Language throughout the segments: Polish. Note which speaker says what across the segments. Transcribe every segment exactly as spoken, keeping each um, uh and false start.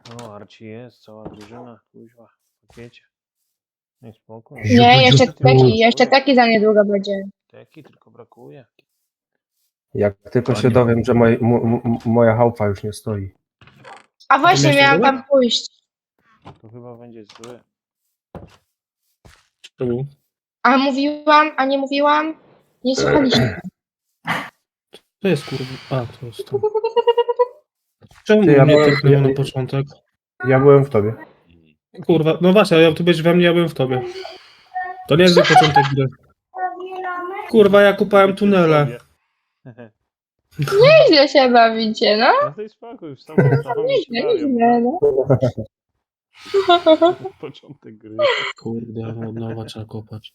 Speaker 1: O, Arci jest, cała drużyna, kuźwa, w pakiecie. Nie, spokój.
Speaker 2: Nie, jeszcze
Speaker 3: Ziup,
Speaker 2: taki, jeszcze taki za niedługo będzie.
Speaker 1: Teki tylko brakuje.
Speaker 3: Jak tylko się
Speaker 4: Panie.
Speaker 3: dowiem, że moj, m, m, moja chałupa już nie stoi.
Speaker 2: A właśnie
Speaker 4: miałeś
Speaker 2: miałam
Speaker 4: tego?
Speaker 2: tam pójść.
Speaker 1: To chyba będzie zły.
Speaker 4: Tu.
Speaker 2: A mówiłam, a nie mówiłam? Nie słuchaliście.
Speaker 4: To jest kurwa. A, to jest to. Czemu
Speaker 3: Ty, ja
Speaker 4: mnie
Speaker 3: byłem-
Speaker 4: tyknęło
Speaker 3: ja-
Speaker 4: na początek?
Speaker 3: Ja byłem w tobie.
Speaker 4: Kurwa, no właśnie, ale ty byłeś we mnie, ja byłem w tobie. To nie jest zły początek gry. Kurwa, ja kupałem tunele.
Speaker 2: Nieźle się bawicie, no.
Speaker 1: No to jest spokój, już sam sam mi się
Speaker 2: Nieźle,
Speaker 1: bawią.
Speaker 2: nieźle, no.
Speaker 1: Początek gry.
Speaker 4: Kurde, od nowa trzeba kopać.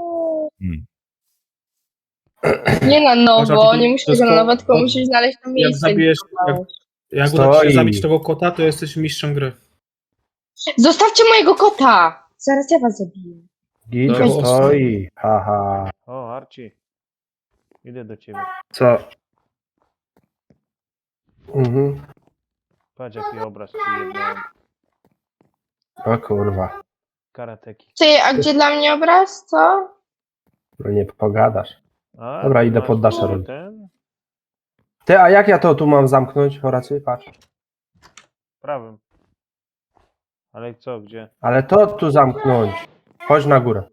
Speaker 2: Nie na
Speaker 4: Masz
Speaker 2: nowo,
Speaker 4: taki-
Speaker 2: nie
Speaker 4: to
Speaker 2: musisz
Speaker 4: jest
Speaker 2: tego na
Speaker 4: ko-
Speaker 2: nowo, tylko
Speaker 4: ko-
Speaker 2: musisz znaleźć to
Speaker 4: Jak
Speaker 2: miejsce. gdzie
Speaker 4: zabijesz, jak,
Speaker 2: kopałeś.
Speaker 4: jak uda ci
Speaker 3: Stoi.
Speaker 4: się zabić tego kota, to jesteś mistrzem gry.
Speaker 2: Zostawcie mojego kota! Zaraz ja was zabiję.
Speaker 3: Gicio
Speaker 4: No,
Speaker 3: stoi. Haha.
Speaker 1: O, Arci. Idę do ciebie.
Speaker 3: Co? Mhm.
Speaker 1: Patrz jaki obraz ci jednałem.
Speaker 3: O kurwa.
Speaker 1: Karateki.
Speaker 2: Ty, a gdzie dla mnie obraz, co?
Speaker 3: No nie pogadasz.
Speaker 1: A,
Speaker 3: Dobra,
Speaker 1: tu
Speaker 3: idę
Speaker 1: masz
Speaker 3: pod nasze
Speaker 1: tu
Speaker 3: roli.
Speaker 1: ten
Speaker 3: Ty, a jak ja to tu mam zamknąć, Horacy? Patrz.
Speaker 1: prawym. Ale co, gdzie?
Speaker 3: Ale to tu zamknąć. Chodź na górę.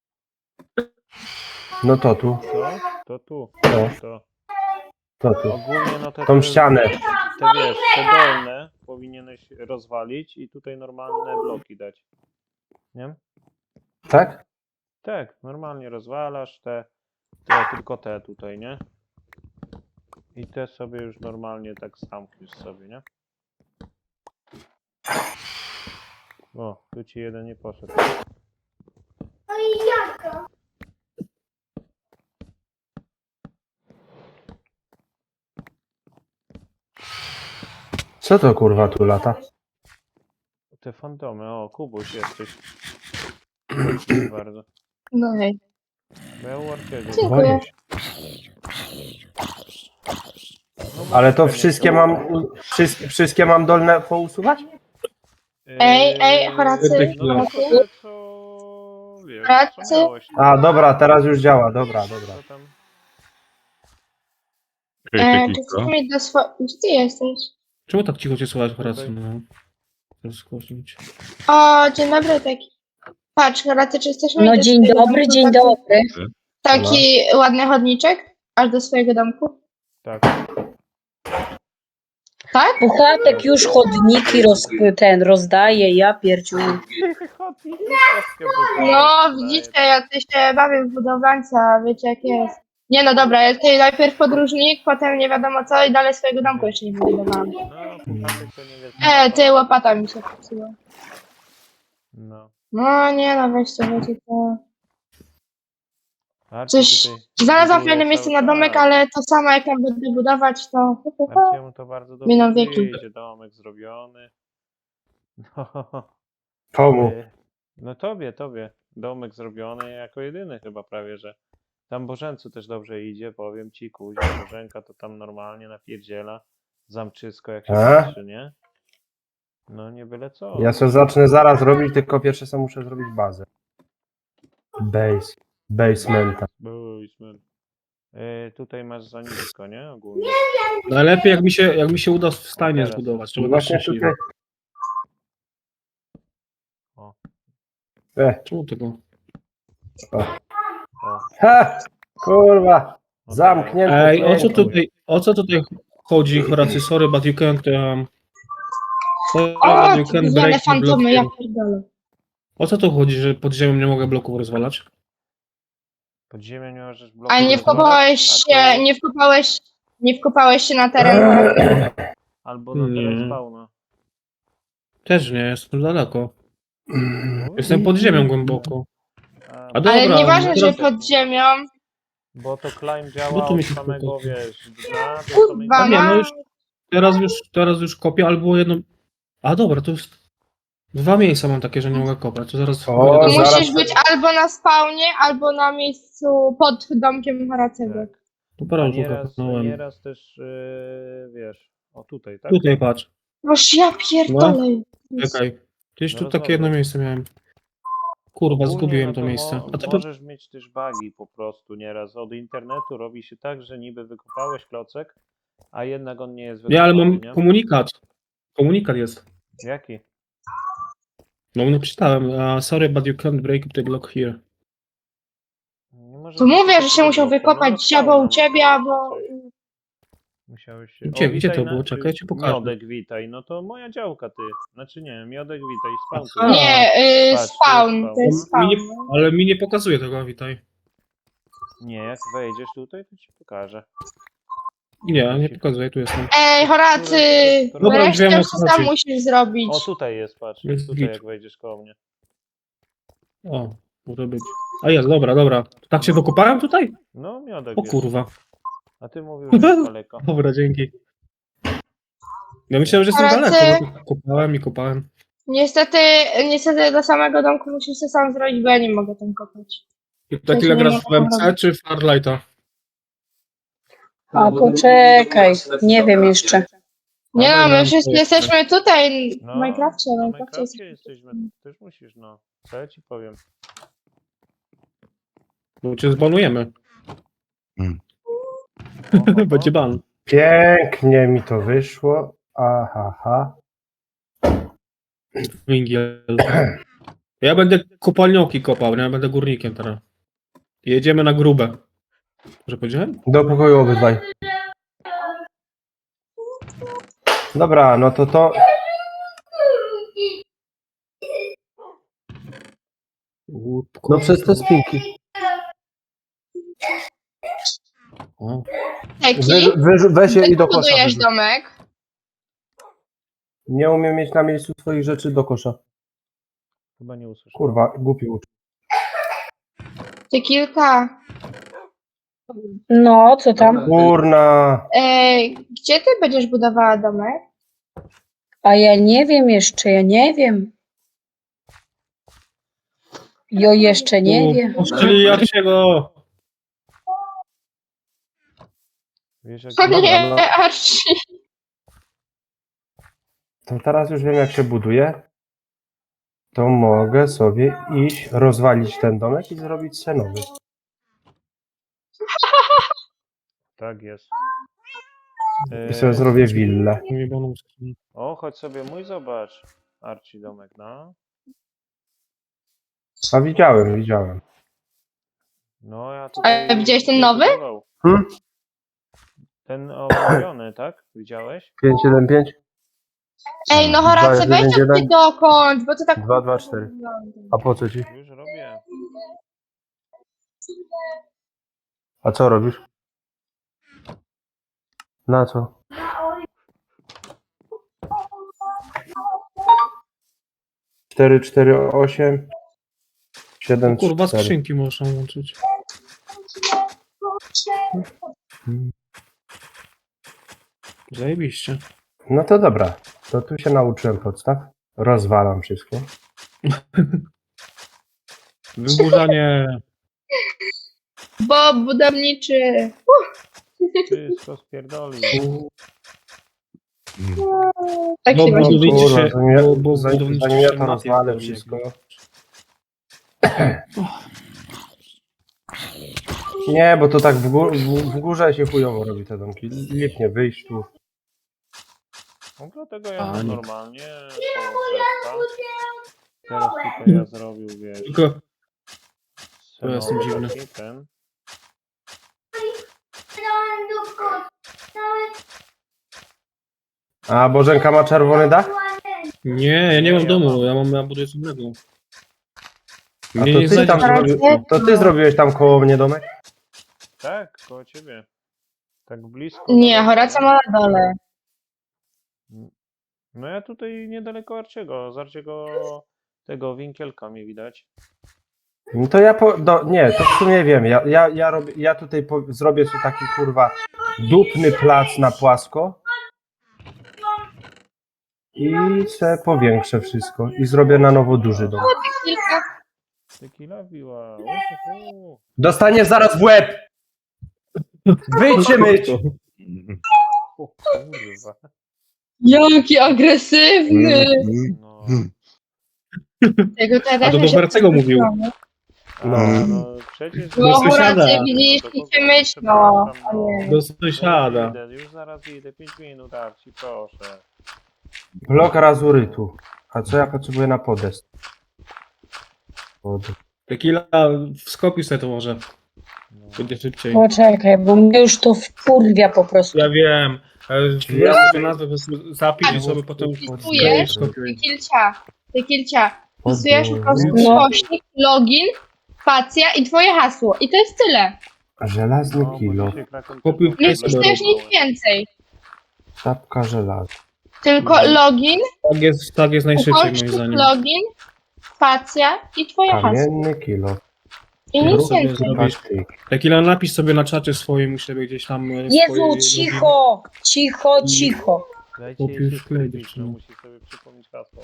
Speaker 3: No to tu.
Speaker 1: To? To tu.
Speaker 3: To,
Speaker 1: To.
Speaker 3: to tu.
Speaker 1: Ogólnie no te,
Speaker 3: Tą
Speaker 1: te,
Speaker 3: ścianę.
Speaker 1: te wiesz, te dolne powinieneś rozwalić i tutaj normalne bloki dać. Nie?
Speaker 3: Tak?
Speaker 1: Tak, normalnie rozwalasz te, te, tylko te tutaj, nie? I te sobie już normalnie tak zamkniesz sobie, nie? O, tu ci jeden nie poszedł.
Speaker 3: Co to kurwa tu lata?
Speaker 1: Te fantomy, o, Kubuś jesteś. Dziękuję bardzo.
Speaker 2: No hej.
Speaker 1: Bo ja u Arciego.
Speaker 2: Dziękuję.
Speaker 3: Boję się.
Speaker 1: No, bo
Speaker 3: Ale to
Speaker 1: fajnie
Speaker 3: wszystkie
Speaker 1: są.
Speaker 3: mam, u- wszystkie, wszystkie mam dolne pousuwać?
Speaker 2: Ej, ej, Horacy,
Speaker 1: No,
Speaker 2: Horacy?
Speaker 1: tylko te, co wiesz,
Speaker 2: Horacy?
Speaker 1: co miałeś.
Speaker 3: A, dobra, teraz już działa, dobra, dobra.
Speaker 1: Co tam?
Speaker 2: E, czy chcesz mieć do swojego... Gdzie ty jesteś?
Speaker 4: Czemu tak cicho cię słychać,
Speaker 1: Tutaj.
Speaker 4: Horacy? No. Teraz głośnić.
Speaker 2: O, dzień dobry, taki. Patrz, Horacy, czy chcesz mieć
Speaker 5: No
Speaker 2: do
Speaker 5: dzień
Speaker 2: swojego
Speaker 5: dobry,
Speaker 2: domku
Speaker 5: dzień
Speaker 2: taki,
Speaker 5: dobry.
Speaker 2: taki ładny chodniczek? Aż do swojego domku?
Speaker 1: Tak.
Speaker 2: Tak?
Speaker 5: Puchatek już chodniki roz, ten rozdaje, ja pierdziu.
Speaker 1: Chodnik, wszystkie buty.
Speaker 2: No, widzicie, ja ty się bawię w budowlańca, wiecie jak jest. Nie no dobra, ja tutaj najpierw podróżnik, potem nie wiadomo co i dalej swojego domku jeszcze nie wybudowałam.
Speaker 1: No, puchatek to nie wiesz.
Speaker 2: E, ty, łopata mi się popsuła.
Speaker 1: No.
Speaker 2: No nie no, weźcie, wiecie to...
Speaker 1: Arci
Speaker 2: Coś...
Speaker 1: tutaj
Speaker 2: Znalazłam
Speaker 1: buduje
Speaker 2: fajne miejsce
Speaker 1: cały
Speaker 2: na domek,
Speaker 1: czas.
Speaker 2: ale to samo jak tam będę budować, to...
Speaker 1: Arciemu to bardzo dobrze
Speaker 2: Miną wieki.
Speaker 1: wyjdzie, domek zrobiony. No,
Speaker 3: Komu?
Speaker 1: y, no tobie, tobie. Domek zrobiony jako jedyny chyba prawie, że. Tam Bożencu też dobrze idzie, powiem ci, kuźwa, Bożenka to tam normalnie napierdziela. Zamczysko jak się
Speaker 3: A?
Speaker 1: patrzy, nie? No nie byle co.
Speaker 3: Ja sobie zacznę zaraz robić, tylko pierwsze co muszę zrobić bazę. Base. Basementa.
Speaker 1: Basement. Y, tutaj masz za nisko, nie? Ogólnie.
Speaker 4: Najlepiej jak mi się, jak mi się uda w stajnie
Speaker 1: Teraz.
Speaker 4: zbudować, żeby być
Speaker 3: Właśnie
Speaker 4: szczęśliwy.
Speaker 3: tutaj...
Speaker 1: O.
Speaker 3: E,
Speaker 4: Czemu tego?
Speaker 1: O.
Speaker 3: ha! Kurwa!
Speaker 1: No
Speaker 3: Zamknięte.
Speaker 4: Ej, o co
Speaker 3: pięknie.
Speaker 4: tutaj, o co tutaj chodzi, Horacy? Sorry, but you can't... Um... Sorry,
Speaker 2: O,
Speaker 4: but you
Speaker 2: te
Speaker 4: can't
Speaker 2: gówniane
Speaker 4: break the
Speaker 2: fantomy, ja
Speaker 4: block.
Speaker 2: pierdolę.
Speaker 4: O co tu chodzi, że pod ziemią nie mogę bloków rozwalać?
Speaker 1: Pod ziemią nie możesz bloku
Speaker 2: A nie
Speaker 1: rozwalać,
Speaker 2: wkopałeś
Speaker 1: a to-
Speaker 2: się, nie wkopałeś, nie wkopałeś się na teren.
Speaker 1: Albo na teren
Speaker 4: Nie.
Speaker 1: spawna.
Speaker 4: Też nie, jestem daleko.
Speaker 3: Mm.
Speaker 4: Jestem pod ziemią głęboko.
Speaker 1: A,
Speaker 4: A dobra,
Speaker 2: Ale nieważne, że
Speaker 4: teraz-
Speaker 2: pod ziemią.
Speaker 1: Bo to climb działa
Speaker 4: Bo tu mi
Speaker 1: od
Speaker 4: się
Speaker 1: samego,
Speaker 4: spoko.
Speaker 1: wiesz, dna do
Speaker 2: Kurwa,
Speaker 1: samego...
Speaker 4: nie, no
Speaker 2: no.
Speaker 4: już- Teraz już, teraz już kopię, albo jedno... A dobra, to jest... Dwa miejsca mam takie, że nie mogę kopać, to zaraz...
Speaker 3: O,
Speaker 4: pójdę do-
Speaker 3: zaraz-
Speaker 2: Musisz być albo na spawnie, albo na miejscu pod domkiem Horacego.
Speaker 1: Tak.
Speaker 4: To
Speaker 1: A
Speaker 4: parę
Speaker 1: nieraz,
Speaker 4: kopnąłem.
Speaker 1: nieraz też, yy, wiesz, o tutaj, tak?
Speaker 4: Tutaj patrz.
Speaker 2: Boż ja pierdolę.
Speaker 4: Czekaj. Gdzieś tu
Speaker 1: No
Speaker 4: takie jedno
Speaker 1: rozumiem.
Speaker 4: miejsce miałem. Kurwa,
Speaker 1: Ogólnie,
Speaker 4: zgubiłem
Speaker 1: no
Speaker 4: to
Speaker 1: to
Speaker 4: miejsce.
Speaker 1: Mo
Speaker 4: A to
Speaker 1: możesz mieć też bugi po prostu nieraz. Od internetu robi się tak, że niby wykopałeś klocek, a jednak on nie jest
Speaker 4: Nie, ale
Speaker 1: wykopany,
Speaker 4: mam
Speaker 1: nie?
Speaker 4: komunikat. Komunikat jest.
Speaker 1: Jaki?
Speaker 4: No, no przeczytałem. Uh, sorry, but you can't break the block here.
Speaker 1: Nie może
Speaker 2: Tu
Speaker 1: być
Speaker 2: mówię,
Speaker 1: tylko
Speaker 2: że się
Speaker 1: tego
Speaker 2: musiał
Speaker 1: bloku, no
Speaker 2: wykopać
Speaker 1: spawna
Speaker 2: albo u
Speaker 1: może
Speaker 2: ciebie,
Speaker 1: być
Speaker 2: albo...
Speaker 1: coś. Musiałeś się...
Speaker 4: Gdzie-
Speaker 1: o,
Speaker 4: gdzie to
Speaker 1: witaj
Speaker 4: było?
Speaker 1: na...
Speaker 4: Czekaj, ja ci pokażę.
Speaker 1: Miodek, witaj. No to moja działka, ty. Znaczy nie, Miodek, witaj. Spawn tu
Speaker 4: Aha.
Speaker 1: jest.
Speaker 2: Nie, y,
Speaker 1: Patrz, tu jest
Speaker 2: spawn,
Speaker 1: spawn,
Speaker 2: to jest
Speaker 1: no.
Speaker 4: Mi nie,
Speaker 2: spawn.
Speaker 4: ale mi nie pokazuje tego, witaj.
Speaker 1: Nie, jak wejdziesz tutaj, to ci pokażę.
Speaker 4: Nie, nie pokazuje, tu jestem.
Speaker 2: Ej, Horacy,
Speaker 4: Dobra, już wiem,
Speaker 2: resztę
Speaker 4: o co
Speaker 2: sam
Speaker 4: chodzi.
Speaker 2: musisz zrobić.
Speaker 1: O, tutaj jest, patrz.
Speaker 4: Jest
Speaker 1: Tutaj
Speaker 4: git.
Speaker 1: jak wejdziesz koło mnie.
Speaker 4: O, może być. A jest, dobra, dobra. Tak się wykopałem tutaj?
Speaker 1: No, Miodek
Speaker 4: O
Speaker 1: jest.
Speaker 4: kurwa.
Speaker 1: A ty mówił, że jest daleko.
Speaker 4: Dobra, dzięki. Ja myślałem, że jestem
Speaker 2: Horacy.
Speaker 4: daleko, bo tak kopałem i kopałem.
Speaker 2: Niestety, niestety do samego domku musisz się sam zrobić, bo ja nie mogę tam kopać.
Speaker 4: I tak
Speaker 2: się
Speaker 4: ile
Speaker 2: nie
Speaker 4: grasz w
Speaker 2: mogę
Speaker 4: M C
Speaker 2: robić.
Speaker 4: czy w Farlighta?
Speaker 5: A poczekaj, nie wiem jeszcze.
Speaker 2: Nie
Speaker 4: Ale
Speaker 2: no, my
Speaker 4: mam
Speaker 2: wszyscy
Speaker 4: to jeszcze.
Speaker 2: jesteśmy tutaj w
Speaker 1: No,
Speaker 2: Minecrafcie, w
Speaker 1: na
Speaker 2: Minecrafcie
Speaker 1: Minecrafcie
Speaker 2: jesteśmy.
Speaker 1: jesteśmy. Też musisz, no. Co ja ci powiem?
Speaker 4: Bo cię zbanujemy.
Speaker 1: O, o, o.
Speaker 4: Będzie ban.
Speaker 3: Pięknie mi to wyszło. Aha, ha.
Speaker 4: Węgiel. Ja będę kopalnioki kopał, nie? Ja będę górnikiem teraz. Jedziemy na grube. Że powiedziałem?
Speaker 3: Do pokoju obydwaj. Dobra, no to to...
Speaker 4: Łupku.
Speaker 3: No przez te spinki.
Speaker 4: O.
Speaker 2: Taki,
Speaker 3: Wy, wy, weź je i do kosza.
Speaker 2: budujesz
Speaker 3: wyrzuć.
Speaker 2: domek.
Speaker 3: Nie umiem mieć na miejscu swoich rzeczy do kosza.
Speaker 1: Chyba nie usłyszałem.
Speaker 3: Kurwa, głupi ucz.
Speaker 2: Ty kilka.
Speaker 5: No, co tam?
Speaker 3: Kurna.
Speaker 2: Ej, gdzie ty będziesz budowała domek?
Speaker 5: A ja nie wiem jeszcze, ja nie wiem. Jo jeszcze nie wiem.
Speaker 4: Czyli Jarciego.
Speaker 1: Wiesz, jak...
Speaker 2: To nie,
Speaker 3: no.
Speaker 2: Archie.
Speaker 3: To teraz już wiem, jak się buduje. To mogę sobie iść, rozwalić ten domek i zrobić sobie nowy.
Speaker 1: Tak jest.
Speaker 3: I sobie
Speaker 1: Eee,
Speaker 3: zrobię willę.
Speaker 4: Jebaną skrzynię.
Speaker 1: o, chodź sobie mój zobacz. Arci domek, no.
Speaker 3: A widziałem, widziałem.
Speaker 1: No, ja tutaj...
Speaker 2: A widziałeś ten nowy?
Speaker 1: budował.
Speaker 3: Hmm?
Speaker 1: Ten obrobiony, tak? Widziałeś?
Speaker 3: pięć jeden pięć,
Speaker 2: Ej, no Horacy,
Speaker 3: Dwa,
Speaker 2: weź
Speaker 3: jeden,
Speaker 2: to
Speaker 3: jeden.
Speaker 2: ty dokończ, bo to tak...
Speaker 3: dwa dwa cztery. A po co ci?
Speaker 1: Już robię.
Speaker 3: A co robisz? Na co? cztery cztery osiem siedem
Speaker 4: Kurwa,
Speaker 3: cztery.
Speaker 4: skrzynki można łączyć. Zajebiście.
Speaker 3: No to dobra. To tu się nauczyłem podstaw. Rozwalam wszystko.
Speaker 4: Wyburzanie.
Speaker 2: Bo budowniczy.
Speaker 1: Wszystko spierdoli.
Speaker 2: Tak
Speaker 4: Bo
Speaker 2: się właśnie
Speaker 4: budowniczy
Speaker 3: Kurwa,
Speaker 4: się,
Speaker 3: zanim ja-
Speaker 4: bo, bo
Speaker 3: zanim-
Speaker 4: budowniczy
Speaker 3: zanim ja
Speaker 4: się
Speaker 3: to
Speaker 4: mapie
Speaker 3: rozwalę
Speaker 4: robi.
Speaker 3: wszystko. Nie, bo to tak w, gó- w, w górze się chujowo robi te domki. Lipnie wyjść tu.
Speaker 1: No dlatego ja
Speaker 4: A,
Speaker 1: mam
Speaker 4: nie.
Speaker 1: normalnie koło drzewka. Teraz tutaj ja zrobił, wiesz,
Speaker 4: Tylko
Speaker 1: senowy
Speaker 4: ja jestem dziwny.
Speaker 1: taki ten.
Speaker 3: A Bożenka ma czerwony dach?
Speaker 4: nie, ja nie
Speaker 1: Nie,
Speaker 4: mam
Speaker 1: ja
Speaker 4: domu,
Speaker 1: mam.
Speaker 4: ja mam, ja buduję co innego.
Speaker 3: A
Speaker 4: Mnie
Speaker 3: to
Speaker 4: nie
Speaker 3: ty, tam
Speaker 4: znajdziesz.
Speaker 3: zrobi, to ty zrobiłeś tam koło mnie domek?
Speaker 1: Tak, koło ciebie. Tak blisko.
Speaker 2: Nie,
Speaker 1: nawet,
Speaker 2: Horacja
Speaker 1: nie?
Speaker 2: ma na dole.
Speaker 1: No ja tutaj niedaleko Arciego, z Arciego tego winkielka mi widać.
Speaker 3: No to ja po, do, nie, to w sumie wiem. Ja, ja, ja, robię, ja tutaj po, zrobię sobie taki kurwa dupny plac na płasko i se powiększę wszystko i zrobię na nowo duży dom.
Speaker 2: Kilka.
Speaker 1: Tequila biła. Uhuhu.
Speaker 3: Dostaniesz zaraz w łeb! Wyjdź się myć!
Speaker 1: O kurwa.
Speaker 2: Jaki agresywny!
Speaker 1: No,
Speaker 2: Tego teraz
Speaker 4: A to do
Speaker 2: się
Speaker 4: Barcego mówił.
Speaker 1: a,
Speaker 3: No.
Speaker 1: no przecież...
Speaker 4: Do
Speaker 2: No,
Speaker 4: sąsiada.
Speaker 2: rację, widzisz,
Speaker 1: No,
Speaker 2: i
Speaker 1: do
Speaker 2: się
Speaker 1: kogo?
Speaker 2: myśl, no.
Speaker 1: Przepraszam,
Speaker 2: A nie.
Speaker 4: Do
Speaker 1: Już
Speaker 4: sąsiada.
Speaker 1: idę, już zaraz idę, pięć minut, Arci, proszę.
Speaker 3: Blok razurytu. A co ja potrzebuję na podest? Pod...
Speaker 4: Tequila, wskopił sobie to może.
Speaker 1: No.
Speaker 4: Będzie szybciej.
Speaker 5: Poczekaj, bo mnie już to wkurwia po prostu.
Speaker 4: Ja wiem. Ale
Speaker 3: Ja-
Speaker 4: ja sobie nazwę po prostu zapisz i sobie potem
Speaker 2: Wpisujesz,
Speaker 4: skopiuj.
Speaker 2: ty kilcia, ty kilcia. Wpisujesz po prostu
Speaker 5: No.
Speaker 2: ukośnik, login, spacja i twoje hasło. I to jest tyle.
Speaker 3: Żelazny
Speaker 1: No, bo
Speaker 3: kilo.
Speaker 1: dzisiaj Kraken
Speaker 4: Kupił
Speaker 1: też
Speaker 2: Nie
Speaker 4: Jest
Speaker 1: było
Speaker 2: wpisujesz
Speaker 1: dobre.
Speaker 2: nic więcej.
Speaker 3: Szapka żelaza.
Speaker 2: Tylko login,
Speaker 4: Tak jest, tak jest najszybciej moim
Speaker 2: ukośnik,
Speaker 4: zdaniem.
Speaker 2: login, spacja i twoje hasło.
Speaker 3: Kamienny kilo.
Speaker 2: I nic
Speaker 4: sobie
Speaker 2: więcej.
Speaker 4: zrobić.
Speaker 3: Patyk.
Speaker 4: Tequila, napisz sobie na czacie swoim u siebie gdzieś tam. e,
Speaker 5: Jezu,
Speaker 4: swoje
Speaker 5: cicho, cicho, cicho.
Speaker 1: Dajcie
Speaker 4: Kupił
Speaker 1: jej się
Speaker 4: wklej,
Speaker 1: skupić, no
Speaker 4: dziewczyno.
Speaker 1: musi sobie przypomnieć hasło.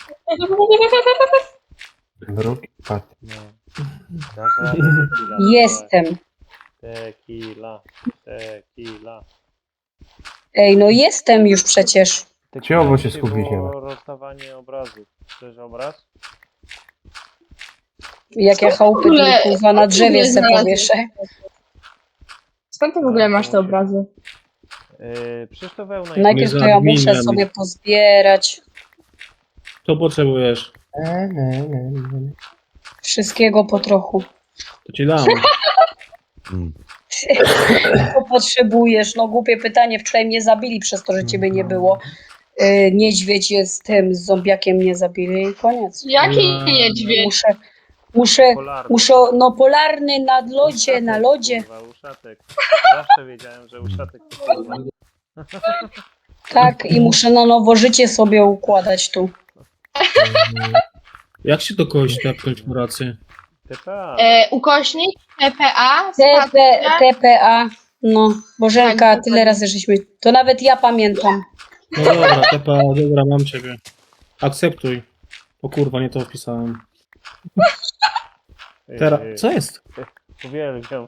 Speaker 3: Bruk i patyk.
Speaker 1: No. Dasz radę, tequila,
Speaker 5: Jestem.
Speaker 1: Tequila, tequila.
Speaker 5: Ej, no jestem już przecież.
Speaker 3: Cicho, bo się
Speaker 1: Dzisiaj
Speaker 3: skupić nie
Speaker 1: było
Speaker 3: da.
Speaker 1: rozstawanie obrazów. Chcesz obraz?
Speaker 5: Jak ja
Speaker 2: Co w
Speaker 5: chałupy
Speaker 2: ogóle-
Speaker 5: kurwa na
Speaker 2: co w
Speaker 5: drzewie
Speaker 2: ogóle
Speaker 5: se
Speaker 2: znalazłeś?
Speaker 5: powieszę.
Speaker 2: Skąd ty w ogóle masz te obrazy?
Speaker 1: Yy, przecież to wełna i-
Speaker 5: Najpierw to ja muszę
Speaker 4: adminem.
Speaker 5: sobie pozbierać.
Speaker 4: Co potrzebujesz?
Speaker 3: Ne, ne, ne, ne.
Speaker 5: Wszystkiego po trochu.
Speaker 4: To ci dam.
Speaker 5: Co potrzebujesz? No głupie pytanie. Wczoraj mnie zabili przez to, że ciebie nie było. Yy, niedźwiedź jest tym, z zombiakiem mnie zabili i koniec.
Speaker 2: Jaki
Speaker 4: No.
Speaker 2: niedźwiedź?
Speaker 5: Muszę, muszę,
Speaker 1: Polarny.
Speaker 5: muszę, no polarny na lodzie, na
Speaker 1: Uszatek,
Speaker 5: lodzie.
Speaker 1: Kurwa, uszatek. Zawsze wiedziałem, że uszatek to kurwa.
Speaker 5: Tak, i muszę na nowo życie sobie układać tu.
Speaker 4: Jak się do kogoś tepnąć w pracy?
Speaker 1: T P A.
Speaker 2: E, ukośnik, T P A,
Speaker 5: T P,
Speaker 2: spacja.
Speaker 5: T P A, no, Bożenka,
Speaker 2: Tak,
Speaker 5: tyle razy żeśmy, to nawet ja pamiętam.
Speaker 4: No dobra, tepa, dobra, mam ciebie. Akceptuj. O kurwa, nie to wpisałem. Teraz,
Speaker 1: Yy,
Speaker 4: co jest?
Speaker 1: Uwielbiam.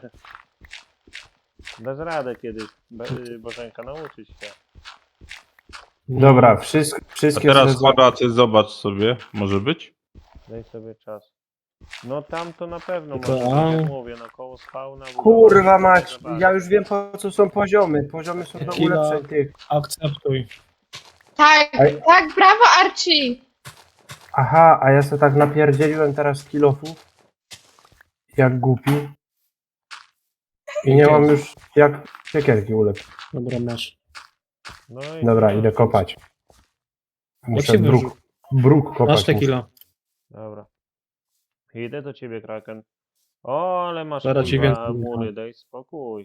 Speaker 1: Dasz radę kiedyś, Be- yy, Bożenka, nauczyć się.
Speaker 3: Dobra, wszystko,
Speaker 6: A
Speaker 3: wszystkie
Speaker 6: teraz
Speaker 3: zezwa-
Speaker 6: kwadraty zobacz sobie, może być?
Speaker 1: Daj sobie czas. No tam to na pewno
Speaker 4: To-
Speaker 1: może
Speaker 4: a.
Speaker 1: być, jak mówię, no koło spawna.
Speaker 3: Kurwa
Speaker 1: budowa,
Speaker 3: mać,
Speaker 1: zobaczyć.
Speaker 3: ja już wiem po co są poziomy. Poziomy są do
Speaker 4: Kila.
Speaker 3: ulepszeń tych.
Speaker 4: Akceptuj.
Speaker 2: Tak,
Speaker 3: Ej.
Speaker 2: tak, brawo Archie.
Speaker 3: Aha, a ja sobie tak napierdzieliłem teraz kilofów. Jak głupi. I nie mam już jak siekierki ulepszyć.
Speaker 4: Dobra, masz.
Speaker 1: No i
Speaker 3: Dobra, idę kopać. Muszę
Speaker 4: się
Speaker 3: bruk,
Speaker 4: wyrzu-
Speaker 3: bruk kopać.
Speaker 4: Masz
Speaker 3: muszę.
Speaker 4: tequila.
Speaker 1: Dobra. Idę do ciebie, Kraken. O, ale masz
Speaker 4: Zaraz ci
Speaker 1: kurwa
Speaker 4: więcej
Speaker 1: mury, daj spokój.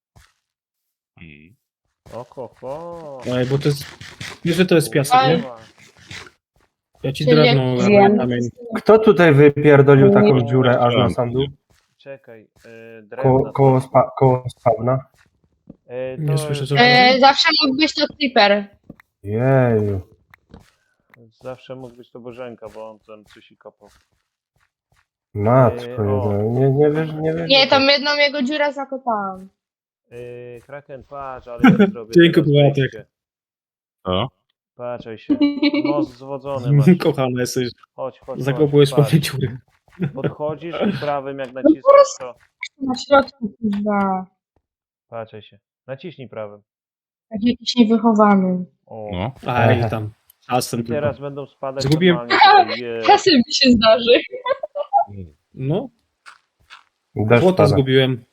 Speaker 1: Oko, ho.
Speaker 4: Ej, bo to jest... Wiesz, że to jest piasek, nie?
Speaker 1: Kurwa.
Speaker 4: Ja ci
Speaker 2: Czyli
Speaker 4: drewno
Speaker 2: jak-
Speaker 4: robię
Speaker 5: Wiem.
Speaker 4: kamień.
Speaker 3: Kto tutaj wypierdolił
Speaker 5: Nie.
Speaker 3: taką dziurę aż na sam dół?
Speaker 1: Czekaj, yy,
Speaker 3: Koło,
Speaker 1: drewna.
Speaker 3: koło, spa, koło spawna?
Speaker 1: Yy,
Speaker 4: Nie
Speaker 1: to
Speaker 4: słyszę, co
Speaker 2: E, zawsze mógł być to Creeper.
Speaker 3: Jeju.
Speaker 1: Zawsze mógł być to Bożenka, bo on tam coś i kopał.
Speaker 3: Matko,
Speaker 1: Ej, o.
Speaker 3: jedna. nie, nie wiesz, nie wiesz.
Speaker 2: Nie, tam jedną jego dziurę zakopałam.
Speaker 1: Yy, Kraken, patrz, ale ja zrobię
Speaker 4: Dzięki,
Speaker 1: teraz
Speaker 4: Bołatek.
Speaker 1: wejście.
Speaker 6: O.
Speaker 1: Patrzaj się. Most zwodzony masz.
Speaker 4: Kochany jesteś.
Speaker 1: Chodź, chodź,
Speaker 4: Zakopujesz
Speaker 1: chodź,
Speaker 4: pewnie
Speaker 1: patrz.
Speaker 4: dziury.
Speaker 1: Podchodzisz i prawym jak naciskasz to...
Speaker 2: Na środku, kurwa.
Speaker 1: Patrzaj się. Naciśnij prawym.
Speaker 2: Jak jakiś niewychowany.
Speaker 1: O.
Speaker 6: No.
Speaker 4: Aj, tam. Czasem
Speaker 1: I
Speaker 4: tylko.
Speaker 1: teraz będą spadać
Speaker 4: Zgubiłem-
Speaker 1: normalnie tutaj. Je.
Speaker 2: Czasem mi się zdarzy.
Speaker 4: No,
Speaker 3: Deszcz
Speaker 4: złota
Speaker 3: pada.
Speaker 4: zgubiłem.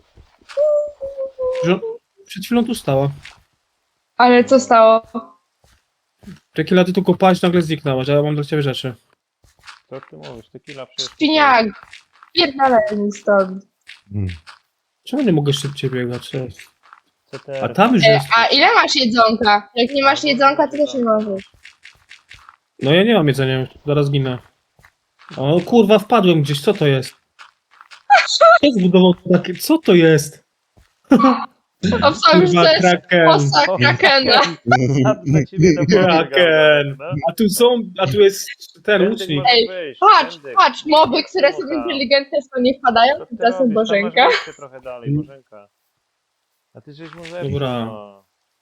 Speaker 4: Że- Przed chwilą tu stała.
Speaker 2: Ale co stało?
Speaker 4: Tequila, ty tu kopałeś, nagle zniknęłaś, a ja mam dla ciebie rzeczy.
Speaker 1: Co ty mówisz? Tequila przecież...
Speaker 2: Świniak. Pierdalaj mi stąd.
Speaker 4: Czemu nie mogę szybciej biegać? Cześć.
Speaker 1: C T R.
Speaker 4: A tam już
Speaker 2: E,
Speaker 4: jest.
Speaker 2: a ile masz jedzonka? Jak nie masz jedzonka, to też nie możesz.
Speaker 4: No ja nie mam jedzenia, zaraz ginę. O kurwa, wpadłem gdzieś, co to jest? Kto zbudował takie, co to jest?
Speaker 2: Obstawiam, że
Speaker 4: Kurwa,
Speaker 2: to jest
Speaker 4: kraken.
Speaker 2: posa Krakena.
Speaker 1: A dla ciebie to
Speaker 4: Kraken.
Speaker 1: no?
Speaker 4: A tu są, a tu jest ten
Speaker 1: Tędy
Speaker 4: łucznik.
Speaker 1: możesz
Speaker 2: Ej,
Speaker 1: wyjść,
Speaker 2: Patrz,
Speaker 1: tędy.
Speaker 2: patrz, moby, które są
Speaker 1: No tam.
Speaker 2: inteligentne, są nie wpadają,
Speaker 1: Co ty
Speaker 2: tymczasem
Speaker 1: robisz? Tam
Speaker 2: Bożenka.
Speaker 1: masz wyjście trochę dalej, Bożenka. A ty żeś mu zepsuł,
Speaker 4: Dobra.
Speaker 1: no.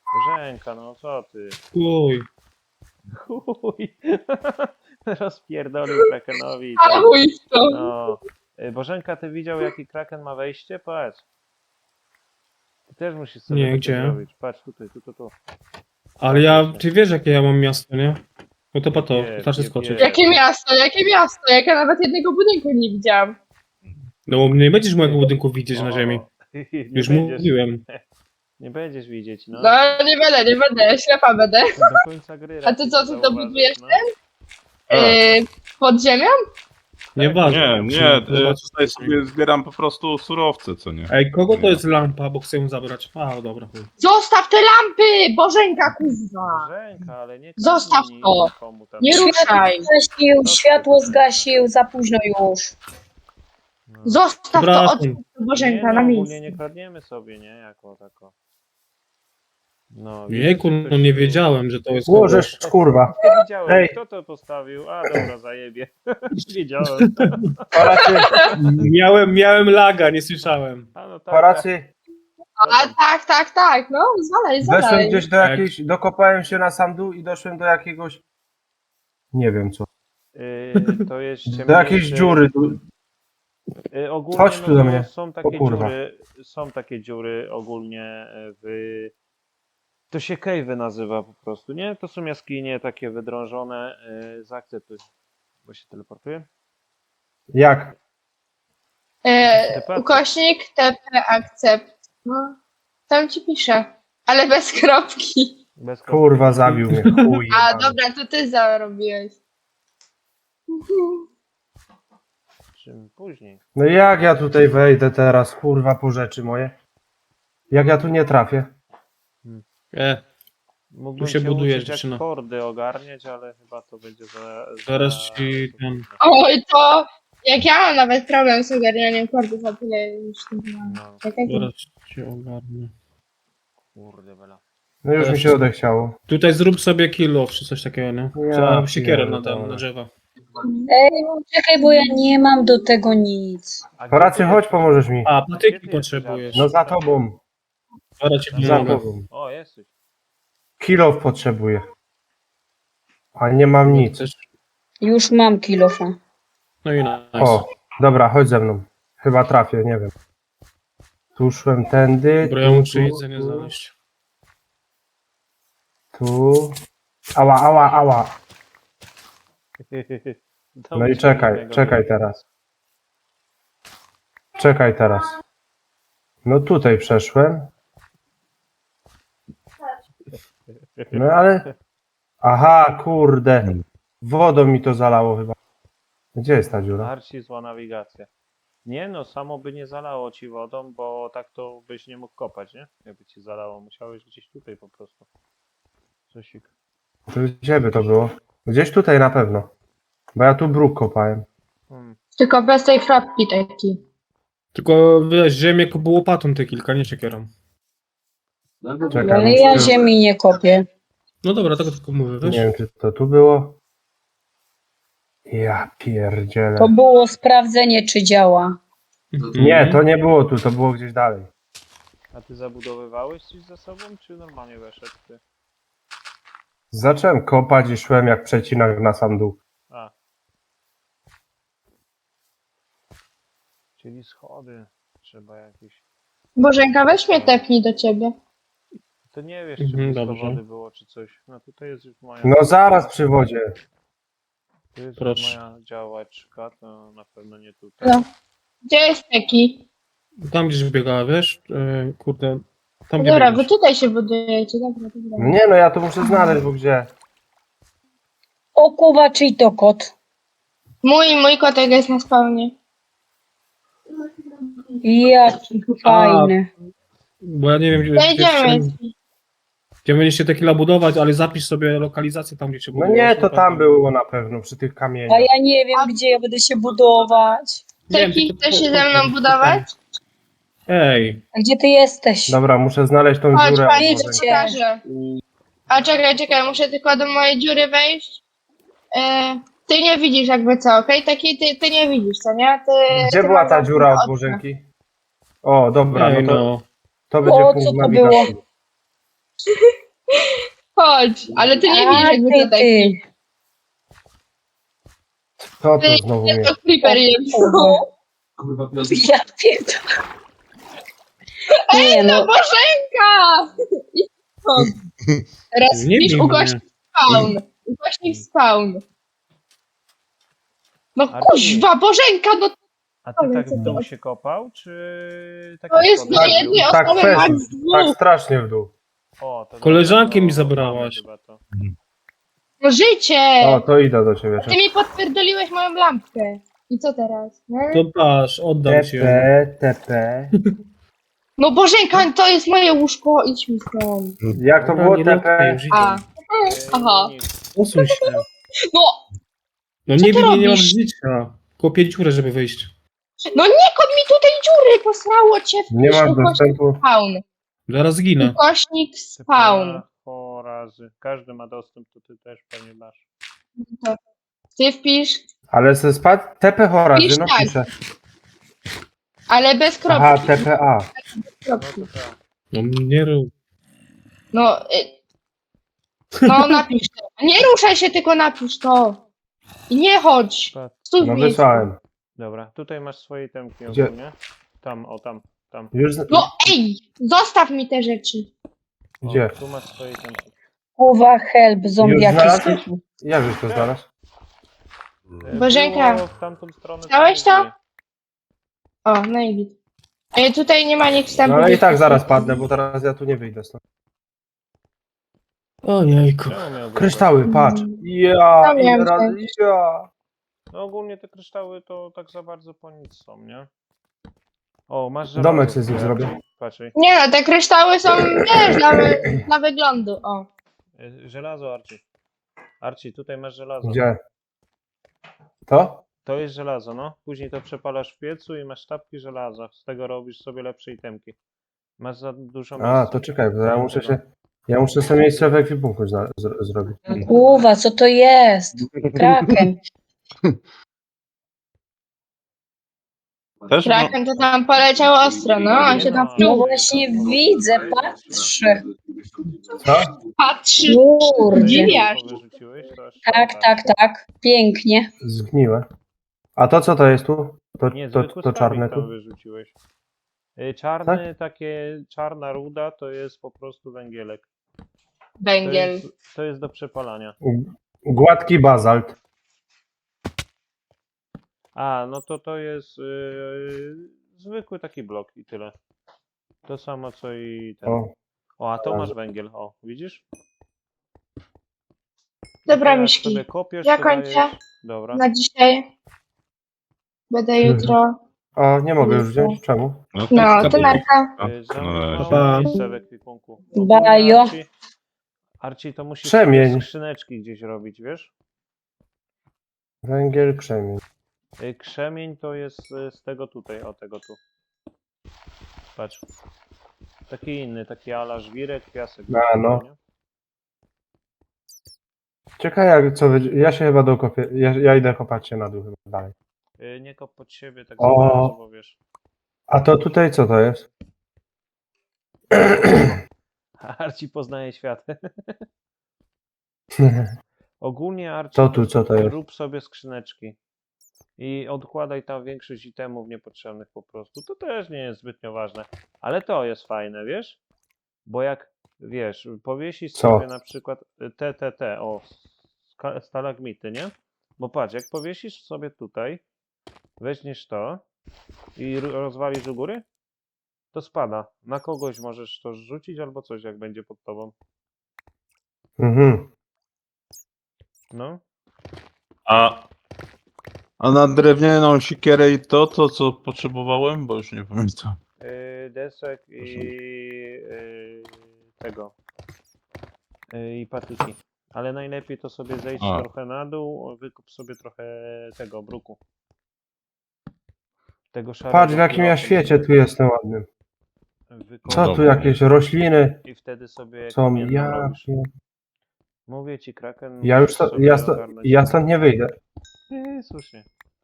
Speaker 1: Bożenka, no co ty?
Speaker 4: Uj.
Speaker 1: Chuj. Rozpierdolił Krakenowi. i
Speaker 2: A
Speaker 1: tak.
Speaker 2: chuj w to.
Speaker 1: No. Y, Bożenka, ty widział jaki Kraken ma wejście? Patrz. Ty też musisz sobie
Speaker 4: Nie,
Speaker 1: takie
Speaker 4: gdzie?
Speaker 1: zrobić. Patrz tutaj, tu, tu, tu.
Speaker 4: Ale ja, ty wiesz jakie ja mam miasto, nie? No to po to,
Speaker 1: Nie,
Speaker 4: znaczy
Speaker 1: nie
Speaker 4: skoczyć.
Speaker 1: wiem.
Speaker 2: Jakie miasto, jakie miasto? Jak ja nawet jednego budynku nie widziałam.
Speaker 4: No bo nie będziesz mojego budynku widzieć na
Speaker 1: O,
Speaker 4: ziemi.
Speaker 1: nie
Speaker 4: Już
Speaker 1: będziesz,
Speaker 4: mówiłem.
Speaker 1: nie będziesz widzieć, no.
Speaker 2: No nie będę, nie będę, ślepa będę.
Speaker 1: Do końca gry.
Speaker 2: A ty
Speaker 1: raczej
Speaker 2: co,
Speaker 1: nie
Speaker 2: ty to
Speaker 1: zauważysz,
Speaker 2: budujesz
Speaker 1: no.
Speaker 2: Yy, pod ziemią?
Speaker 4: Nieważne.
Speaker 6: Nie, nie, y, tutaj sobie zbieram po prostu surowce, co nie?
Speaker 4: Ej, kogo to jest lampa, bo chcę ją zabrać? A, dobra. chuj.
Speaker 2: Zostaw te lampy! Bożenka, kurwa!
Speaker 1: Bożenka, ale nie
Speaker 2: Zostaw
Speaker 1: kradnij
Speaker 2: to.
Speaker 1: nikomu tam.
Speaker 2: Nie ruszaj!
Speaker 5: Zgasił, światło zgasił, za późno już.
Speaker 1: No.
Speaker 2: Zostaw to od
Speaker 4: Przepraszam.
Speaker 2: Bożenka
Speaker 1: nie,
Speaker 2: na
Speaker 1: no,
Speaker 2: miejscu.
Speaker 1: ogólnie nie kradniemy sobie, nie? Jako tako. No,
Speaker 4: Jejku,
Speaker 1: widzisz,
Speaker 4: no
Speaker 1: że
Speaker 4: nie
Speaker 1: ktoś-
Speaker 4: wiedziałem, że to jest
Speaker 3: Łożesz, kurwa.
Speaker 1: Nie wiedziałem,
Speaker 3: Ej.
Speaker 1: kto to postawił. A dobra, zajebie. Wiedziałem.
Speaker 3: Paracy,
Speaker 4: Miałem, miałem laga, nie słyszałem.
Speaker 1: A no tak.
Speaker 3: paracy.
Speaker 2: A tak, tak, tak, no zwalaj,
Speaker 3: Weszłem
Speaker 2: zwalaj.
Speaker 3: gdzieś do jakiejś, dokopałem się na sam dół i doszłem do jakiegoś, nie wiem co,
Speaker 1: Yy, to jest
Speaker 3: do jakiejś
Speaker 1: ciemniejsze-
Speaker 3: dziury. Tu-
Speaker 1: Yy, ogólnie
Speaker 3: Chodź tu
Speaker 1: no,
Speaker 3: do
Speaker 1: to
Speaker 3: mnie.
Speaker 1: są takie
Speaker 3: O kurwa.
Speaker 1: dziury, są takie dziury ogólnie w... To się cave'y nazywa po prostu, nie? To są jaskinie takie wydrążone. Yy, zaakceptuj. Bo się teleportuje.
Speaker 3: Jak?
Speaker 2: E, ukośnik T P akcept. No, tam ci piszę. Ale bez kropki.
Speaker 1: Bez kropki.
Speaker 3: Kurwa, zabił mnie, chuj
Speaker 2: A
Speaker 3: jebany.
Speaker 2: dobra, to ty zarobiłeś.
Speaker 1: Czym później.
Speaker 3: No jak ja tutaj wejdę teraz, kurwa, po rzeczy moje? Jak ja tu nie trafię?
Speaker 4: E,
Speaker 1: Mógłbym
Speaker 4: Tu się
Speaker 1: się
Speaker 4: buduje,
Speaker 1: uczyć, jak
Speaker 4: dziewczyna.
Speaker 1: kordy ogarniać, ale chyba to będzie za... za
Speaker 4: Zaraz ci ten-
Speaker 2: Oj, to jak ja mam nawet problem z ogarnianiem kordów, a tyle już nie mam.
Speaker 1: No,
Speaker 2: Tak jak
Speaker 4: zaraz cię ogarnę.
Speaker 1: kurde bela.
Speaker 3: No już mi się odechciało.
Speaker 4: Tutaj zrób sobie kill off czy coś takiego, nie?
Speaker 3: Ja
Speaker 4: Trzeba siekierę na,
Speaker 3: pierdolę.
Speaker 4: ten, na drzewa.
Speaker 5: Ej, czekaj, bo ja nie mam do tego nic.
Speaker 1: A gdzie
Speaker 3: Paracy,
Speaker 1: ty
Speaker 3: chodź,
Speaker 1: jesteś?
Speaker 3: pomożesz mi.
Speaker 4: A,
Speaker 1: Gdzie ty
Speaker 4: patyki
Speaker 1: jesteś,
Speaker 4: potrzebujesz.
Speaker 3: No za tobą,
Speaker 4: Zaraz ci
Speaker 3: za
Speaker 4: pomogę.
Speaker 3: tobą.
Speaker 1: O, jesteś.
Speaker 3: Kilof potrzebuję. A nie mam nic.
Speaker 4: Chcesz?
Speaker 5: Już mam kilofa.
Speaker 4: No i nice.
Speaker 3: O, dobra, chodź ze mną. Chyba trafię, nie wiem. Tu szłem tędy.
Speaker 4: Dobra, ja
Speaker 3: tu,
Speaker 4: muszę
Speaker 3: tu,
Speaker 4: jedzenie
Speaker 3: tu,
Speaker 4: znaleźć.
Speaker 3: Tu. Ała, ała, ała. No i
Speaker 1: Dobrze,
Speaker 3: czekaj,
Speaker 1: innego
Speaker 3: czekaj
Speaker 1: nie.
Speaker 3: teraz. Czekaj teraz. No tutaj przeszłem. No ale... Aha, kurde. Wodą mi to zalało chyba. Gdzie jest ta dziura?
Speaker 1: Marci, zła nawigacja. Nie no, samo by nie zalało ci wodą, bo tak to byś nie mógł kopać, nie? Jakby ci zalało, musiałeś gdzieś tutaj po prostu. Cosik.
Speaker 3: To gdzie by to było? Gdzieś tutaj na pewno. Bo ja tu bruk kopałem.
Speaker 1: Hmm.
Speaker 2: Tylko bez tej kropki takiej.
Speaker 4: Tylko wiesz, ziemię kupu łopatą te kilka, nie siekierą.
Speaker 3: Czekaj,
Speaker 5: Ale ja
Speaker 3: muszę-
Speaker 5: ziemi nie kopię.
Speaker 4: No dobra, tego tylko mówię,
Speaker 3: Nie
Speaker 4: wiesz?
Speaker 3: wiem, czy to tu było. Ja pierdzielę.
Speaker 5: To było sprawdzenie, czy działa.
Speaker 4: Mhm.
Speaker 3: Nie, to nie było tu, to było gdzieś dalej.
Speaker 1: A ty zabudowywałeś coś za sobą, czy normalnie weszedł ty?
Speaker 3: Zacząłem kopać i szłem jak przecinak na sam dół.
Speaker 1: A. Czyli schody. Trzeba jakieś...
Speaker 2: Bożenka, weź mnie tepnij do ciebie.
Speaker 1: To nie wiesz, czy
Speaker 4: Mhm,
Speaker 1: blisko
Speaker 4: dobrze.
Speaker 1: wody było, czy coś. No tutaj jest już moja...
Speaker 3: No zaraz przy wodzie.
Speaker 1: Tu jest już
Speaker 4: Proszę.
Speaker 1: moja działaczka, to na pewno nie tutaj.
Speaker 2: No. Gdzie jest taki?
Speaker 4: Tam gdzieś biegała, wiesz? E, kurde. Tam gdzie
Speaker 2: Dobra, wy
Speaker 4: biegniesz.
Speaker 2: tutaj się budujecie, dobra, dobra.
Speaker 3: No nie no, ja to muszę znaleźć, bo gdzie?
Speaker 5: O Kuba, czyj to kot?
Speaker 2: Mój, mój kotek jest na spawnie.
Speaker 5: Jaki fajny.
Speaker 4: Bo ja nie wiem, gdzie,
Speaker 2: No
Speaker 4: gdzie,
Speaker 2: idziemy.
Speaker 4: gdzie, gdzie będziecie te killa budować, ale zapisz sobie lokalizację tam, gdzie się
Speaker 3: No
Speaker 4: buduje.
Speaker 3: nie, to tam było na pewno, przy tych
Speaker 5: A
Speaker 3: kamieniach.
Speaker 5: ja nie wiem, gdzie ja będę się budować.
Speaker 4: Nie wiem,
Speaker 2: Taki
Speaker 4: tylko-
Speaker 2: chce się ze mną budować?
Speaker 4: Ej,
Speaker 5: A gdzie ty jesteś?
Speaker 3: Dobra, muszę znaleźć tą
Speaker 2: Chodź,
Speaker 3: dziurę.
Speaker 2: chodź,
Speaker 3: albo
Speaker 2: ci
Speaker 5: idźcie.
Speaker 3: wejść.
Speaker 2: pokażę. A czekaj, czekaj, muszę tylko do mojej dziury wejść. E, ty nie widzisz jakby co, okej? Taki ty, ty nie widzisz, co nie? Ty,
Speaker 3: Gdzie
Speaker 2: ty
Speaker 3: była
Speaker 2: masz
Speaker 3: ta
Speaker 2: zamknięte
Speaker 3: dziura od
Speaker 2: okno.
Speaker 3: Bożenki? O, dobra,
Speaker 4: ej,
Speaker 3: no to,
Speaker 4: no.
Speaker 3: to będzie
Speaker 5: O,
Speaker 3: punkt
Speaker 5: co to
Speaker 3: nawigacji.
Speaker 2: Chodź, ale ty nie
Speaker 5: A,
Speaker 2: widzisz jakby
Speaker 5: ty,
Speaker 2: to tak.
Speaker 5: ty.
Speaker 3: Co to znowu mnie?
Speaker 2: To creeper jest.
Speaker 5: Ja pierdolę. Nie
Speaker 2: No
Speaker 5: no,
Speaker 2: Bożenka! Idź stąd. Teraz
Speaker 4: Nie
Speaker 2: pisz
Speaker 4: bij
Speaker 2: ukośnik spawn. Ukośnik spawn. No
Speaker 1: Arci.
Speaker 2: kuźwa, Bożenka, no
Speaker 1: A ty
Speaker 2: Ale
Speaker 1: tak
Speaker 2: co
Speaker 1: w
Speaker 2: to
Speaker 1: dół
Speaker 2: jest?
Speaker 1: się kopał, czy tak
Speaker 2: to jest dla
Speaker 3: Tak,
Speaker 2: jednej
Speaker 3: tak,
Speaker 2: osoby
Speaker 3: fest,
Speaker 2: max
Speaker 3: tak
Speaker 2: dwóch.
Speaker 3: strasznie w dół.
Speaker 1: O, to
Speaker 4: Koleżankę
Speaker 1: dobra,
Speaker 4: mi
Speaker 1: to
Speaker 4: zabrałaś.
Speaker 1: mamy chyba to.
Speaker 2: No życie!
Speaker 3: O, to idę do ciebie.
Speaker 2: Ty mi podpierdoliłeś moją lampkę. I co teraz? Nie?
Speaker 4: To patrz, oddam ci ją.
Speaker 3: T P, T P.
Speaker 2: No Bożenka, to jest moje łóżko, idź mi stąd.
Speaker 3: Jak to
Speaker 4: Dobra,
Speaker 3: było
Speaker 4: nie
Speaker 3: T
Speaker 4: lokuję,
Speaker 3: P?
Speaker 4: już idę.
Speaker 2: A,
Speaker 1: Yy,
Speaker 2: aha.
Speaker 1: nic.
Speaker 4: Posuń się.
Speaker 2: No,
Speaker 4: No
Speaker 2: Co
Speaker 4: nie
Speaker 2: ty
Speaker 4: wiem, nie, nie mam
Speaker 2: robisz?
Speaker 4: życia. Kopię dziurę, żeby wyjść.
Speaker 2: no nie kop mi tutaj dziury, posrało cię.
Speaker 3: Nie
Speaker 2: Wpisz
Speaker 3: masz
Speaker 2: ukośnik
Speaker 3: dostępu.
Speaker 2: spawn.
Speaker 4: Zaraz zginę.
Speaker 2: Ukośnik spawn.
Speaker 1: O razy. Każdy ma dostęp, to ty też pewnie masz.
Speaker 2: To Ty wpisz,
Speaker 3: Ale ze spadł T P horazy,
Speaker 2: Pisz
Speaker 3: no
Speaker 2: tak.
Speaker 3: piszę.
Speaker 2: ale bez
Speaker 3: Aha,
Speaker 2: kropki.
Speaker 3: T P A.
Speaker 1: No
Speaker 2: kropki.
Speaker 1: to tak.
Speaker 4: No nie rób.
Speaker 2: No, y, no napisz to. Nie ruszaj się, tylko napisz to. I nie chodź.
Speaker 1: Patrz.
Speaker 2: Stój w
Speaker 3: No
Speaker 2: miejscu.
Speaker 3: wysłałem.
Speaker 1: Dobra, tutaj masz swoje temki
Speaker 3: Gdzie?
Speaker 1: ogólnie. Tam, o tam, tam.
Speaker 3: Już. z-
Speaker 2: No ej, zostaw mi te rzeczy.
Speaker 1: O,
Speaker 3: Gdzie?
Speaker 1: tu masz swoje temki.
Speaker 5: kurwa, help, zombiaki
Speaker 3: znalazłeś?
Speaker 5: są.
Speaker 3: Jak żeś to znalazł?
Speaker 1: E,
Speaker 2: Bożenka,
Speaker 1: było w tamtą stronę.
Speaker 2: chciałeś
Speaker 1: co
Speaker 2: to?
Speaker 1: nie
Speaker 2: O, no i git. Ej, tutaj nie ma nikt
Speaker 3: No
Speaker 2: wstępu.
Speaker 3: ale i tak zaraz padnę, bo teraz ja tu nie wyjdę stąd.
Speaker 4: Ojejku.
Speaker 1: Czemu miałby
Speaker 3: Kryształy, patrz.
Speaker 2: Mm.
Speaker 3: Ja,
Speaker 2: Tam
Speaker 3: ile
Speaker 2: miałem
Speaker 3: razy, ja.
Speaker 1: No ogólnie te kryształy to tak za bardzo po nic są, nie? O, masz żelazo.
Speaker 3: Domek sobie z nich
Speaker 1: tutaj,
Speaker 3: zrobię.
Speaker 1: Patrz, ej.
Speaker 2: Nie no, te kryształy są, wiesz, dla, wy- dla wyglądu, o.
Speaker 1: E, żelazo, Arci. Arci, tutaj masz żelazo.
Speaker 3: Gdzie? To?
Speaker 1: To jest żelazo, no. Później to przepalasz w piecu i masz sztabki żelaza. Z tego robisz sobie lepsze itemki. Masz za dużo miejsca.
Speaker 3: A, to czekaj, bo ja muszę się. Ja muszę sobie miejsce w ekwipunku zna- zro- zrobić.
Speaker 5: Kurwa, co to jest? Kraken.
Speaker 6: Też no,
Speaker 2: Kraken to tam poleciał ostro, no, on się tam
Speaker 1: Nie
Speaker 5: No
Speaker 2: wczuł.
Speaker 5: właśnie widzę, patrzę.
Speaker 3: Co?
Speaker 2: Patrzy,
Speaker 5: Kurde.
Speaker 2: dziwiasz.
Speaker 1: Wyrzuciłeś, to aż
Speaker 5: Tak, tak, tak. Pięknie.
Speaker 3: Zgniłe. A to co to jest tu? To,
Speaker 1: Nie,
Speaker 3: to,
Speaker 1: zwykły
Speaker 3: to czarne
Speaker 1: skarbnik tam
Speaker 3: tu?
Speaker 1: wyrzuciłeś. Y, Czarny, takie czarna ruda to jest po prostu węgielek. To
Speaker 2: Węgiel.
Speaker 1: jest, to jest do przepalania.
Speaker 3: Gładki bazalt.
Speaker 1: A, no to to jest yy, zwykły taki blok i tyle. To samo co i ten.
Speaker 3: O,
Speaker 1: O, a to masz węgiel, o, widzisz?
Speaker 2: Dobra,
Speaker 1: Jak
Speaker 2: Miszki,
Speaker 1: sobie kopiesz,
Speaker 2: ja
Speaker 1: to
Speaker 2: kończę.
Speaker 1: dajesz- Dobra.
Speaker 2: na dzisiaj. Będę jutro.
Speaker 3: o, nie mogę już wziąć. Czemu?
Speaker 6: no to
Speaker 2: No,
Speaker 6: jest
Speaker 2: to narka.
Speaker 1: Y,
Speaker 6: no,
Speaker 1: Zamknąć
Speaker 4: pa.
Speaker 1: miejsce w ekwipunku.
Speaker 5: Bajo.
Speaker 1: Arci, Arci, to musisz
Speaker 3: Krzemień.
Speaker 1: sobie skrzyneczki gdzieś robić, wiesz?
Speaker 3: Węgiel, krzemień.
Speaker 1: Y, Krzemień to jest y, z tego tutaj, o tego tu. Patrz. Taki inny, taki ala żwirek, piasek.
Speaker 3: A, no.
Speaker 1: nie?
Speaker 3: Czekaj, jak co wy... Ja się chyba dokopię. Ja, ja idę kopać się na dół chyba dalej.
Speaker 1: Y, Nie kop pod siebie, tak
Speaker 3: O.
Speaker 1: za bardzo, bo wiesz.
Speaker 3: A to tutaj co to jest?
Speaker 1: Arci poznaje świat. Ogólnie Arci
Speaker 3: To tu co to jest?
Speaker 1: rób sobie skrzyneczki. I odkładaj tam większość itemów niepotrzebnych po prostu. To też nie jest zbytnio ważne. Ale to jest fajne, wiesz? Bo jak, wiesz, powiesisz
Speaker 3: Co?
Speaker 1: sobie na przykład te, te, te, o, ska- stalagmity, nie? Bo patrz, jak powiesisz sobie tutaj, weźmiesz to i ro- rozwalisz u góry, to spada. Na kogoś możesz to rzucić albo coś, jak będzie pod tobą.
Speaker 3: Mhm.
Speaker 1: No.
Speaker 6: A, a na drewnianą sikierę i to, to co potrzebowałem, bo już nie pamiętam.
Speaker 1: Yy, desek i yy, tego. Yy, I patyki. Ale najlepiej to sobie zejść
Speaker 6: A.
Speaker 1: trochę na dół, wykup sobie trochę tego bruku. Tego szarego.
Speaker 3: Patrz w jakim ja
Speaker 1: kilofu.
Speaker 3: świecie tu jestem ładnym.
Speaker 1: Wykup
Speaker 3: Co tu
Speaker 6: Dobra.
Speaker 3: jakieś rośliny
Speaker 1: I wtedy sobie
Speaker 3: są?
Speaker 1: kamienną
Speaker 3: Ja,
Speaker 1: robisz.
Speaker 3: pie-
Speaker 1: Mówię ci, Kraken.
Speaker 3: ja już
Speaker 1: musisz
Speaker 3: to,
Speaker 1: sobie
Speaker 3: ja, sto,
Speaker 1: ogarnąć.
Speaker 3: ja stąd nie wyjdę.
Speaker 1: Nie, słusznie.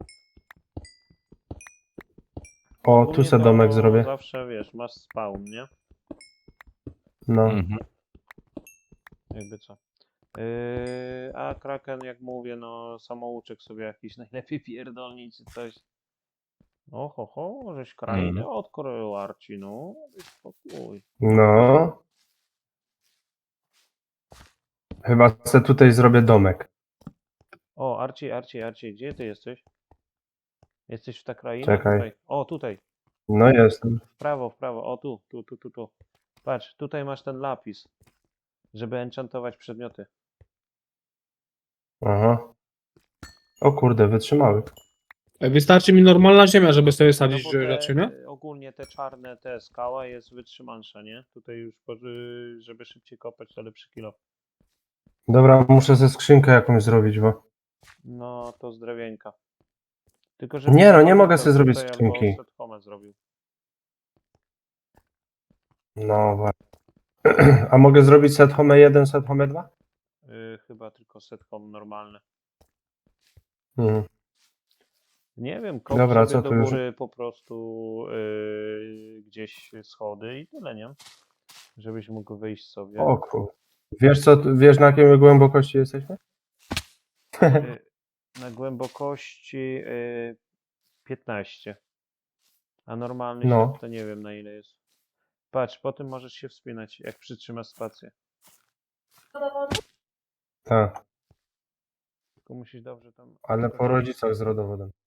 Speaker 3: O, tu
Speaker 1: Ogólnie
Speaker 3: se
Speaker 1: to
Speaker 3: domek zrobię.
Speaker 1: Zawsze wiesz, masz spawn, nie?
Speaker 3: No.
Speaker 6: Mhm.
Speaker 1: Jakby co. Yy, a Kraken, jak mówię, no samouczek sobie jakiś najlepiej pierdolnić czy coś. O ho, ho, żeś krainę
Speaker 3: Mm.
Speaker 1: odkrył, Arci, no. Daj spokój.
Speaker 3: No. Chyba se tutaj zrobię domek.
Speaker 1: O, Arci, Arci, Arci, gdzie ty jesteś? Jesteś w ta kraina?
Speaker 3: Czekaj.
Speaker 1: Tutaj. O, tutaj.
Speaker 3: No jestem.
Speaker 1: W prawo, w prawo. O, tu, tu, tu, tu, tu. Patrz, tutaj masz ten lapis, żeby enchantować przedmioty.
Speaker 3: Aha. O kurde, wytrzymały.
Speaker 4: Ej, wystarczy mi normalna ziemia, żeby sobie
Speaker 1: No
Speaker 4: sadzić
Speaker 1: bo
Speaker 4: rzeczy, nie?
Speaker 1: te, ogólnie te czarne, te skała jest wytrzymalsza, nie? Tutaj już, po- y, żeby szybciej kopać, to lepszy kilo.
Speaker 3: Dobra, muszę ze skrzynkę jakąś zrobić, bo...
Speaker 1: No, to z drewienka. Tylko,
Speaker 3: Nie, no, nie
Speaker 1: sobie
Speaker 3: mogę
Speaker 1: to
Speaker 3: sobie zrobić
Speaker 1: tutaj
Speaker 3: skrzynki.
Speaker 1: Albo set home zrobił.
Speaker 3: No właśnie. A mogę zrobić set home jeden, set home dwa?
Speaker 1: Y, chyba tylko set home normalny.
Speaker 3: Mhm.
Speaker 1: Nie wiem, kop
Speaker 3: Dobra,
Speaker 1: sobie
Speaker 3: co
Speaker 1: do
Speaker 3: tu już-
Speaker 1: góry po prostu y, gdzieś schody i tyle, nie? Żebyś mógł wyjść sobie.
Speaker 3: O kur... Wiesz co, wiesz na jakiej głębokości jesteśmy?
Speaker 1: Y, na głębokości y, piętnaście. A normalny
Speaker 3: No.
Speaker 1: świat to nie wiem na ile jest. Patrz, po tym możesz się wspinać, jak przytrzymasz spację.
Speaker 3: Tak,
Speaker 1: Tylko musisz dobrze tam...
Speaker 3: ale po rodzicach z rodowodem.